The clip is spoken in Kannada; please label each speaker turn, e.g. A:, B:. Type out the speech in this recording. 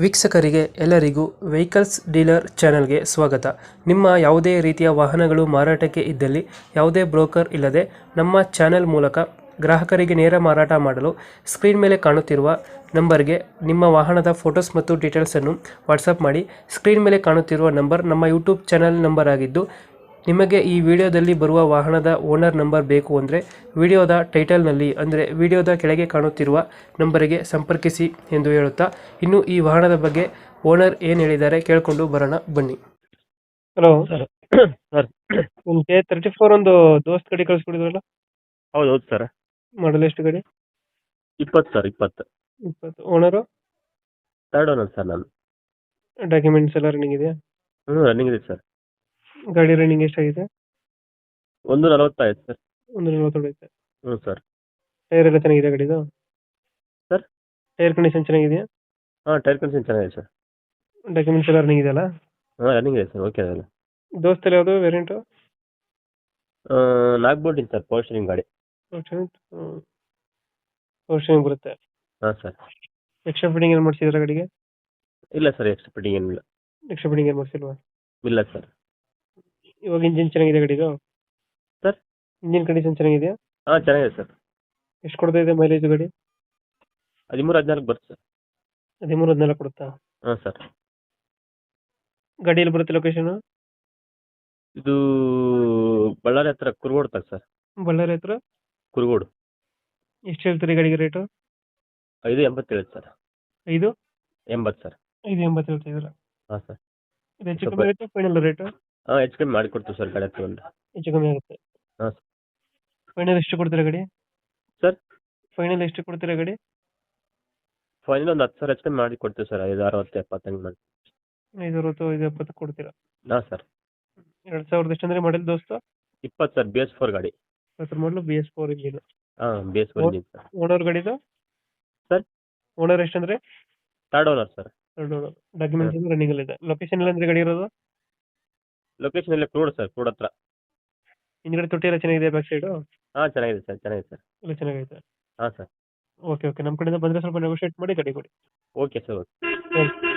A: ವೀಕ್ಷಕರಿಗೆ ಎಲ್ಲರಿಗೂ ವೆಹಿಕಲ್ಸ್ ಡೀಲರ್ ಚಾನೆಲ್ಗೆ ಸ್ವಾಗತ. ನಿಮ್ಮ ಯಾವುದೇ ರೀತಿಯ ವಾಹನಗಳು ಮಾರಾಟಕ್ಕೆ ಇದ್ದಲ್ಲಿ ಯಾವುದೇ ಬ್ರೋಕರ್ ಇಲ್ಲದೆ ನಮ್ಮ ಚಾನೆಲ್ ಮೂಲಕ ಗ್ರಾಹಕರಿಗೆ ನೇರ ಮಾರಾಟ ಮಾಡಲು ಸ್ಕ್ರೀನ್ ಮೇಲೆ ಕಾಣುತ್ತಿರುವ ನಂಬರ್ಗೆ ನಿಮ್ಮ ವಾಹನದ ಫೋಟೋಸ್ ಮತ್ತು ಡೀಟೇಲ್ಸನ್ನು ವಾಟ್ಸಪ್ ಮಾಡಿ. ಸ್ಕ್ರೀನ್ ಮೇಲೆ ಕಾಣುತ್ತಿರುವ ನಂಬರ್ ನಮ್ಮ ಯೂಟ್ಯೂಬ್ ಚಾನೆಲ್ ನಂಬರ್ ಆಗಿದ್ದು, ನಿಮಗೆ ಈ ವಿಡಿಯೋದಲ್ಲಿ ಬರುವ ವಾಹನದ ಓನರ್ ನಂಬರ್ ಬೇಕು ಅಂದರೆ ವಿಡಿಯೋದ ಟೈಟಲ್ನಲ್ಲಿ ಅಂದರೆ ವಿಡಿಯೋದ ಕೆಳಗೆ ಕಾಣುತ್ತಿರುವ ನಂಬರಿಗೆ ಸಂಪರ್ಕಿಸಿ ಎಂದು ಹೇಳುತ್ತಾ, ಇನ್ನು ಈ ವಾಹನದ ಬಗ್ಗೆ ಓನರ್ ಏನು ಹೇಳಿದ್ದಾರೆ ಕೇಳಿಕೊಂಡು ಬರೋಣ ಬನ್ನಿ. ಹಲೋ
B: ಸರ್ ಸರ್
A: ಒಂದು K34 ಒಂದು ದೋಸ್ತ್ ಗಾಡಿ ಕಳಿಸ್ಕೊಡಿದ್ರಲ್ಲ,
B: ಹೌದು ಹೌದು ಸರ್.
A: ಮಾಡಲ್ ಎಷ್ಟು ಗಾಡಿ?
B: 20 sir 20.
A: 20. Owner?
B: Third owner sir ನಾನು.
A: ಡಾಕ್ಯುಮೆಂಟ್ಸ್ ಎಲ್ಲ ರನ್ನಿಂಗ್ ಇದೆಯಾ?
B: ರನ್ನಿಂಗ್ ಇದೆ ಸರ್.
A: ಗಾಡಿ ರನ್ನಿಂಗ್ ಎಷ್ಟಾಗಿದೆ?
B: 140 ಆಯ್ತು ಸರ್.
A: 140 ಐತೆ.
B: ಸರ್.
A: ಟೈರ್ ಎಲ್ಲ ಚೆನ್ನಾಗಿದೆ ಗಾಡಿದು?
B: ಸರ್
A: ಟೈರ್ ಕಂಡೀಷನ್ ಚೆನ್ನಾಗಿದೆಯಾ?
B: ಟೈರ್ ಕಂಡೀಷನ್ ಚೆನ್ನಾಗಿದೆ ಸರ್.
A: ಡಾಕ್ಯುಮೆಂಟ್ಸ್ ಎಲ್ಲ ರನ್ನಿಂಗ್ ಇದೆಯಲ್ಲ?
B: ರನ್ನಿಂಗ್ ಇದೆ ಸರ್. ಓಕೆ ಅದೆಲ್ಲ.
A: ದೋಸ್ತಲ್ಲಿ ಯಾವುದು ವೇರಿಯಂಟು?
B: ನಾಗ್ಬೋಟಿಂಗ್ ಸರ್, ಪವರ್ ಸ್ಟೀರಿಂಗ್ ಗಾಡಿ.
A: ವರ್ಷನ್ ಬರುತ್ತೆ.
B: ಹಾಂ ಸರ್.
A: ಎಕ್ಸ್ಟ್ರಾ ಫಿಟ್ಟಿಂಗ್ ಏನು ಮಾಡಿಸಿದ್ರೆ ಗಾಡಿಗೆ?
B: ಇಲ್ಲ ಸರ್, ಎಕ್ಸ್ಟ್ರಾ ಫಿಟ್ಟಿಂಗ್ ಏನಿಲ್ಲ.
A: ಎಕ್ಸ್ಟ್ರಾ ಫಿಟ್ಟಿಂಗ್ ಏನು ಮಾಡಿಸಿಲ್ವಾ?
B: ಇಲ್ಲ ಸರ್.
A: ಇವಾಗ ಇಂಜಿನ್ ಚೆನ್ನಾಗಿದೆ ಗಾಡಿದು?
B: ಸರ್
A: ಇಂಜಿನ್ ಕಂಡೀಷನ್ ಚೆನ್ನಾಗಿದೆಯಾ?
B: ಚೆನ್ನಾಗಿದೆ ಸರ್.
A: ಎಷ್ಟು ಕೊಡ್ತಾ ಇದೆ ಮೈಲೇಜ್ ಗಾಡಿ?
B: 13-14 ಬರುತ್ತೆ ಸರ್.
A: 13-14 ಕೊಡುತ್ತಾ?
B: ಹಾಂ ಸರ್.
A: ಗಾಡಿಯಲ್ಲಿ ಬರುತ್ತೆ ಲೊಕೇಶನ್?
B: ಇದು ಬಳ್ಳಾರಿ ಹತ್ರ ಕುರುಗೋಡು ತಗ ಸರ್.
A: ಬಳ್ಳಾರಿ ಹತ್ರ
B: ಕುರುಗೋಡು.
A: ಎಷ್ಟು ಹೇಳ್ತೀರಿ ಗಾಡಿಗೆ ರೇಟು?
B: 580 ಸರ್.
A: 580
B: ಸರ್.
A: 580 ಹೇಳ್ತಿದ್ದೀರಾ?
B: ಹಾಂ ಸರ್.
A: ಇದು ಹೆಚ್ಚು ಕಮ್ಮಿ ಆಗುತ್ತೆ ಫೈನಲ್ ರೇಟು?
B: ಹೆಚ್ಚು ಕಮ್ಮಿ ಮಾಡಿಕೊಡ್ತೀವಿ ಸರ್ ಗಾಡಿ ತಗೊಂಡು.
A: ಹೆಚ್ಚು ಕಮ್ಮಿ ಆಗುತ್ತೆ.
B: ಹಾಂ ಸರ್.
A: ಫೈನಲ್ ಎಷ್ಟು ಕೊಡ್ತೀರಾ ಗಾಡಿ?
B: ಸರ್
A: ಫೈನಲ್ ಎಷ್ಟು ಕೊಡ್ತೀರಾ ಗಾಡಿ?
B: ಫೈನಲ್ ಒಂದು 10,000 ಹೆಚ್ಚು ಕಮ್ಮಿ ಮಾಡಿ ಕೊಡ್ತೀವಿ ಸರ್. 5, 60, 70 ಹಂಗೆ ಮಾಡಿ.
A: 560, 570 ಕೊಡ್ತೀರಾ?
B: ಹಾಂ ಸರ್.
A: 2000 ಎಷ್ಟು ಅಂದ್ರೆ ಮಾಡಲ್ ದೋಸ್ತ?
B: 20 ಸರ್. BS4 ಗಾಡಿ.
A: ಮಾಡಲು BS4 engine.
B: BS4 engine sir.
A: Owner ಗಾಡಿದು?
B: ಸರ್
A: ಓನರ್ ಎಷ್ಟಂದ್ರೆ?
B: Third owner sir.
A: Documents running ಅಲ್ಲಿ ಇದೆ. ಲೊಕೇಶನ್ ಎಲ್ಲ ಅಂದ್ರೆ ಗಾಡಿ ಇರೋದು?
B: ಲೊಕೇಶನ್ ಎಲ್ಲ ಕ್ರೂಡ್ ಸರ್, ಕ್ರೂಡ್ ಹತ್ರ.
A: ಹಿಂದ್ಗಡೆ ತೊಟ್ಟಿ ಎಲ್ಲ ಚೆನ್ನಾಗಿದೆ ಬ್ಯಾಕ್ ಸೈಡ್?
B: ಚೆನ್ನಾಗಿದೆ ಸರ್, ಚೆನ್ನಾಗಿದೆ ಸರ್.
A: ಎಲ್ಲ ಚೆನ್ನಾಗೈತೆ.
B: ಹಾಂ ಸರ್.
A: ಓಕೆ ನಮ್ಮ ಕಡೆಯಿಂದ ಬಂದರೆ ಸ್ವಲ್ಪ ನೆಗೋಷಿಯೇಟ್ ಮಾಡಿ ಗಾಡಿ ಕೊಡಿ.
B: Okay sir, okay.
A: Thank you.